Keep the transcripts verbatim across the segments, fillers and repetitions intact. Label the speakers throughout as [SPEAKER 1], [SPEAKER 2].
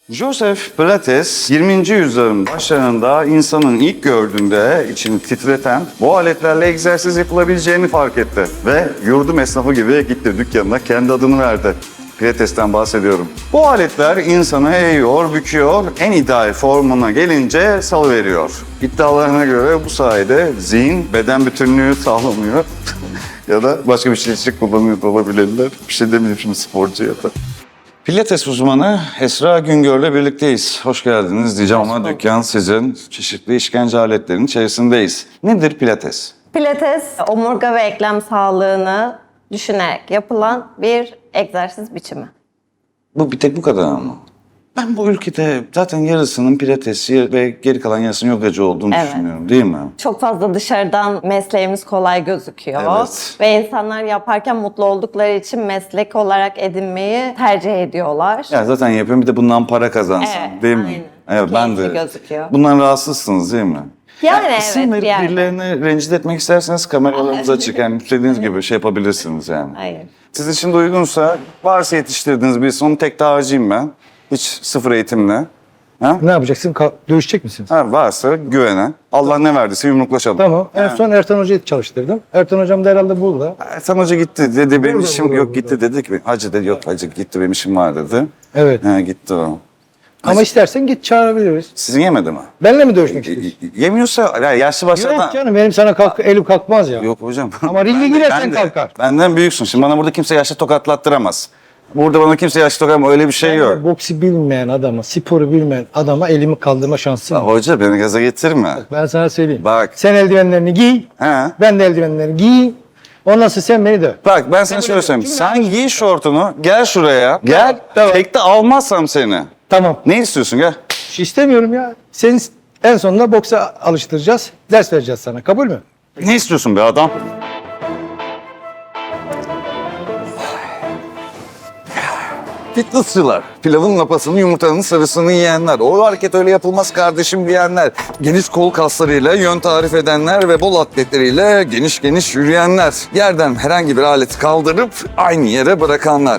[SPEAKER 1] Joseph Pilates yirminci yüzyılın başlarında insanın ilk gördüğünde içini titreten bu aletlerle egzersiz yapılabileceğini fark etti. Ve yurdum esnafı gibi gitti dükkanına kendi adını verdi. Pilates'ten bahsediyorum. Bu aletler insanı eğiyor, büküyor, en ideal formuna gelince salıveriyor. İddialarına göre bu sayede zihin, beden bütünlüğü sağlanıyor. Ya da başka bir şey için kullanıyor da olabilirler. Bir şey demeyeyim şimdi sporcuya da. Pilates uzmanı Esra Güngör'le birlikteyiz. Hoş geldiniz diyeceğim ama dükkan sizin. Çeşitli işkence aletlerinin içerisindeyiz. Nedir Pilates?
[SPEAKER 2] Pilates, omurga ve eklem sağlığını düşünerek yapılan bir egzersiz biçimi.
[SPEAKER 1] Bu bir tek bu kadar mı? Ben bu ülkede zaten yarısının pilatesçi ve geri kalan yarısının yogacı olduğunu
[SPEAKER 2] Evet.
[SPEAKER 1] düşünüyorum, değil mi?
[SPEAKER 2] Çok fazla dışarıdan mesleğimiz kolay gözüküyor.
[SPEAKER 1] Evet.
[SPEAKER 2] Ve insanlar yaparken mutlu oldukları için meslek olarak edinmeyi tercih ediyorlar.
[SPEAKER 1] Ya zaten yapıyorum bir de bundan para kazansın,
[SPEAKER 2] Evet,
[SPEAKER 1] değil mi?
[SPEAKER 2] aynen.
[SPEAKER 1] Evet, ben de.
[SPEAKER 2] Keyifli gözüküyor.
[SPEAKER 1] Bundan rahatsızsınız değil mi?
[SPEAKER 2] Yani evet,
[SPEAKER 1] isim verip
[SPEAKER 2] bir yerde.
[SPEAKER 1] birilerini rencide etmek isterseniz kameralarınızı açık. Yani istediğiniz gibi şey yapabilirsiniz yani.
[SPEAKER 2] Hayır.
[SPEAKER 1] Siz için de uygunsa varsa yetiştirdiğiniz birisi onu tek dağcıyım ben. Hiç sıfır eğitimle. Ha?
[SPEAKER 3] Ne yapacaksın? Ka- dövüşecek misiniz?
[SPEAKER 1] Ha, varsa güvenen. Allah ne verdiyse yumruklaşalım.
[SPEAKER 3] Tamam. En
[SPEAKER 1] Ha.
[SPEAKER 3] son Ertan Hoca'yı çalıştırdım. Ertan Hocam da herhalde burada.
[SPEAKER 1] Ertan Hoca gitti dedi benim
[SPEAKER 3] Burada,
[SPEAKER 1] işim
[SPEAKER 3] burada,
[SPEAKER 1] yok
[SPEAKER 3] burada.
[SPEAKER 1] gitti dedi ki hacı dedi yok hacı gitti benim işim var dedi.
[SPEAKER 3] Evet.
[SPEAKER 1] Ha, gitti o.
[SPEAKER 3] Ama istersen git çağırabiliriz.
[SPEAKER 1] Sizin yemedi mi?
[SPEAKER 3] Benle mi dövüşmek istiyorsun?
[SPEAKER 1] Y- Yemiyorsa ya yaşlı başlı
[SPEAKER 3] Yok
[SPEAKER 1] adam.
[SPEAKER 3] canım benim sana kalk, elim kalkmaz ya.
[SPEAKER 1] Yok hocam.
[SPEAKER 3] Ama ringe
[SPEAKER 1] Ben de-
[SPEAKER 3] girersen
[SPEAKER 1] ben de-
[SPEAKER 3] kalkar.
[SPEAKER 1] Benden büyüksün. Şimdi bana burada kimse yaşlı tokatlattıramaz. Burada bana kimse yaşlı tokatlamaz. Öyle bir şey yok.
[SPEAKER 3] Boksi bilmeyen adama, sporu bilmeyen adama elimi kaldırma şansım
[SPEAKER 1] Ya
[SPEAKER 3] var.
[SPEAKER 1] hoca beni gaza getirme.
[SPEAKER 3] Ben sana söyleyeyim.
[SPEAKER 1] Bak.
[SPEAKER 3] Sen eldivenlerini giy,
[SPEAKER 1] He.
[SPEAKER 3] ben de eldivenlerini giy. Ondan sonra sen beni döv.
[SPEAKER 1] Bak ben sana şöyle söyleyeyim. Sen giy şortunu, gel şuraya. Gel.
[SPEAKER 3] Tamam.
[SPEAKER 1] Tekte almazsam seni.
[SPEAKER 3] Tamam.
[SPEAKER 1] Ne istiyorsun gel.
[SPEAKER 3] Bir şey istemiyorum ya. Seni en sonunda boksa alıştıracağız. Ders vereceğiz sana. Kabul mü?
[SPEAKER 1] Ne istiyorsun be adam? Fitnessçılar, pilavın lapasını, yumurtanın sarısını yiyenler, o hareket öyle yapılmaz kardeşim diyenler, geniş kol kaslarıyla yön tarif edenler ve bol atletleriyle geniş geniş yürüyenler, yerden herhangi bir aleti kaldırıp aynı yere bırakanlar.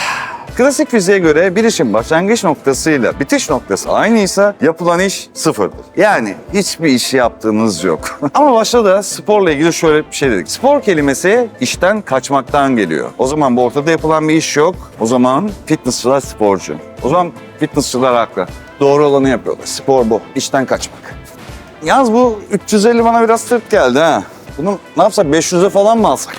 [SPEAKER 1] Klasik fiziğe göre bir işin başlangıç noktasıyla bitiş noktası aynıysa yapılan iş sıfırdır. Yani hiçbir iş yaptığınız yok. Ama başta da sporla ilgili şöyle bir şey dedik. Spor kelimesi işten kaçmaktan geliyor. O zaman bu ortada yapılan bir iş yok. O zaman fitnessçılar sporcu. O zaman fitnessçılar haklı. Doğru olanı yapıyorlar. Spor bu. İşten kaçmak. Yalnız bu üç yüz elli bana biraz sırt geldi ha. Bunu ne yapsak beş yüze falan mı alsak?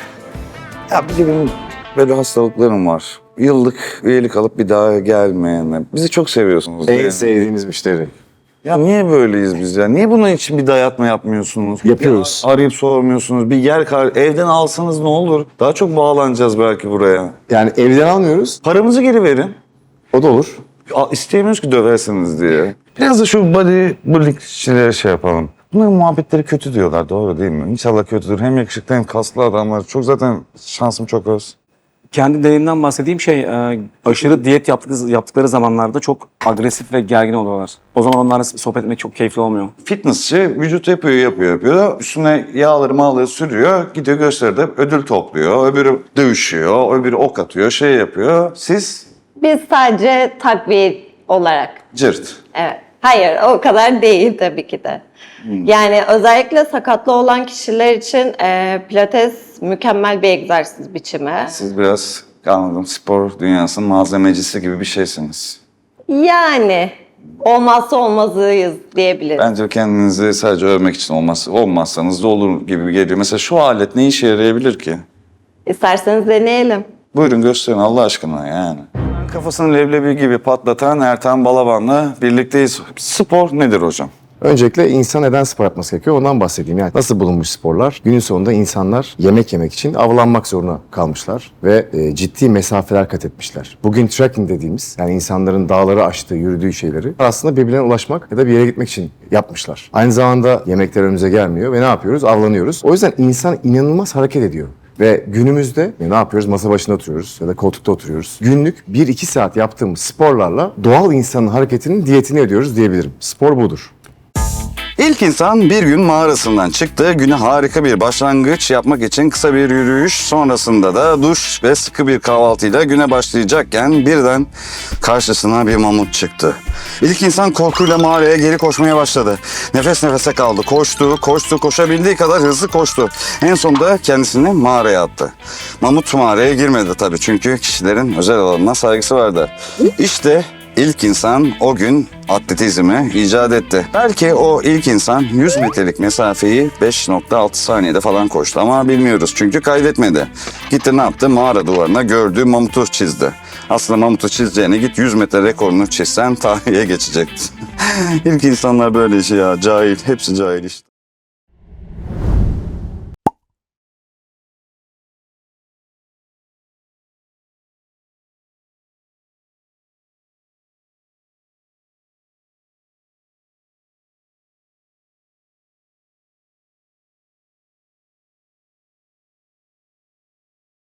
[SPEAKER 1] Ya bir de benim böyle hastalıklarım var. Yıllık üyelik alıp bir daha gelmeyenler. Bizi çok seviyorsunuz. değil
[SPEAKER 4] En
[SPEAKER 1] mi?
[SPEAKER 4] sevdiğiniz müşteri.
[SPEAKER 1] Ya niye böyleyiz biz ya? Niye bunun için bir dayatma yapmıyorsunuz?
[SPEAKER 4] Yapıyoruz.
[SPEAKER 1] Bir arayıp sormuyorsunuz. Bir yer kar evden alsanız ne olur? Daha çok bağlanacağız belki buraya.
[SPEAKER 4] Yani evden almıyoruz.
[SPEAKER 1] Paramızı geri verin.
[SPEAKER 4] O da olur.
[SPEAKER 1] Ya, İsteyemiyoruz ki döversiniz diye. Biraz da şu bodybuildingçilere şey yapalım. Bunların muhabbetleri kötü diyorlar, doğru değil mi? İnşallah kötüdür. Hem yakışıklı hem kaslı adamlar. Çok zaten şansım çok az.
[SPEAKER 5] Kendi deneyimden bahsedeyim şey e, aşırı diyet yaptıkları, yaptıkları zamanlarda çok agresif ve gergin oluyorlar. O zaman onlarla sohbet etmek çok keyifli olmuyor.
[SPEAKER 1] Fitnessçi vücut yapıyor, yapıyor, yapıyor. Üstüne yağları mağları sürüyor. Gidiyor gösteride ödül topluyor. Öbürü dövüşüyor, öbürü ok atıyor, şey yapıyor. Siz
[SPEAKER 2] Biz sadece takviye olarak.
[SPEAKER 1] cırt.
[SPEAKER 2] Evet. Hayır, o kadar değil tabii ki de. Yani özellikle sakatlı olan kişiler için e, pilates mükemmel bir egzersiz biçimi.
[SPEAKER 1] Siz biraz anladım spor dünyasının malzemecisi gibi bir şeysiniz.
[SPEAKER 2] Yani olmazsa olmazıyız diyebiliriz.
[SPEAKER 1] Bence kendinizi sadece övmek için olmaz, olmazsanız da olur gibi geliyor. Mesela şu alet ne işe yarayabilir ki?
[SPEAKER 2] İsterseniz deneyelim.
[SPEAKER 1] Buyurun gösterin Allah aşkına yani. Kafasını leblebi gibi patlatan Ertan Balaban'la birlikteyiz. Spor nedir hocam?
[SPEAKER 4] Öncelikle insan neden spor yapması gerekiyor ondan bahsedeyim. Yani nasıl bulunmuş sporlar? Günün sonunda insanlar yemek yemek için avlanmak zorunda kalmışlar ve e, ciddi mesafeler kat etmişler. Bugün trekking dediğimiz yani insanların dağları aştığı, yürüdüğü şeyleri aslında birbirine ulaşmak ya da bir yere gitmek için yapmışlar. Aynı zamanda yemekler önümüze gelmiyor ve ne yapıyoruz? Avlanıyoruz. O yüzden insan inanılmaz hareket ediyor. Ve günümüzde ne yapıyoruz? Masa başında oturuyoruz ya da koltukta oturuyoruz. Günlük bir iki saat yaptığımız sporlarla doğal insanın hareketinin diyetini ediyoruz diyebilirim. Spor budur.
[SPEAKER 1] İlk insan bir gün mağarasından çıktı. Güne harika bir başlangıç yapmak için kısa bir yürüyüş, sonrasında da duş ve sıkı bir kahvaltıyla güne başlayacakken birden karşısına bir mamut çıktı. İlk insan korkuyla mağaraya geri koşmaya başladı. Nefes nefese kaldı. Koştu, koştu, koşabildiği kadar hızlı koştu. En sonunda kendisini mağaraya attı. Mamut mağaraya girmedi tabii çünkü kişilerin özel alanına saygısı vardı. İşte İlk insan o gün atletizmi icat etti. Belki o ilk insan yüz metrelik mesafeyi beş nokta altı saniyede falan koştu ama bilmiyoruz çünkü kaydetmedi. Gitti ne yaptı? Mağara duvarına gördüğü mamutu çizdi. Aslında mamutu çizeceğine git yüz metre rekorunu çizsen tarihe geçecekti. İlk insanlar böyle işi ya, cahil, hepsi cahil işte.